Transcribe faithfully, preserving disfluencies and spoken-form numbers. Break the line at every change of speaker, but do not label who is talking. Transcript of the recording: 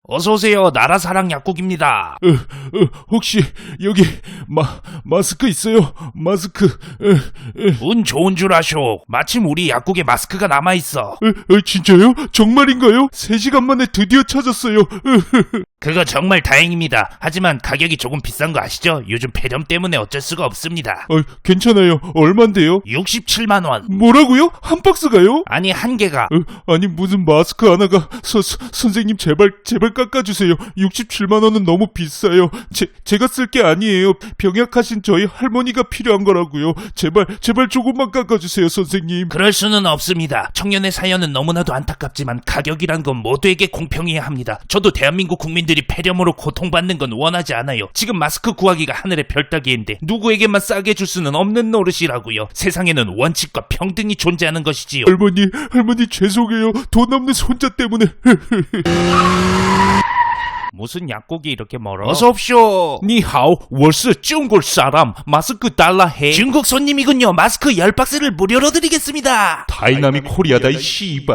어서오세요. 나라사랑 약국입니다.
어, 어, 혹시 여기 마, 마스크 있어요? 마스크. 어, 어,
운 좋은 줄 아쇼. 마침 우리 약국에 마스크가 남아있어.
어, 어, 진짜요? 정말인가요? 세 시간 만에 드디어 찾았어요. 어,
그거 정말 다행입니다. 하지만 가격이 조금 비싼 거 아시죠? 요즘 폐렴 때문에 어쩔 수가 없습니다.
어, 괜찮아요. 얼만데요?
육십칠만 원.
뭐라고요? 한 박스가요?
아니 한 개가.
어, 아니 무슨 마스크 하나가 서, 서, 선생님 제발 제발 깎아주세요. 육십칠만 원은 너무 비싸요. 제, 제가 쓸 게 아니에요. 병약하신 저희 할머니가 필요한 거라고요. 제발 제발 조금만 깎아주세요 선생님.
그럴 수는 없습니다. 청년의 사연은 너무나도 안타깝지만 가격이란 건 모두에게 공평해야 합니다. 저도 대한민국 국민들이 폐렴으로 고통받는 건 원하지 않아요. 지금 마스크 구하기가 하늘의 별 따기인데 누구에게만 싸게 줄 수는 없는 노릇이라고요. 세상에는 원칙과 평등이 존재하는 것이지요.
할머니 할머니 죄송해요. 돈 없는 손자 때문에.
무슨 약국이 이렇게 멀어? 어서옵쇼. 니하오, 我是中国 사람. 마스크 달라 해. 중국 손님이군요. 마스크 열 박스를 무료로 드리겠습니다.
다이나믹 코리아다 이 씨발.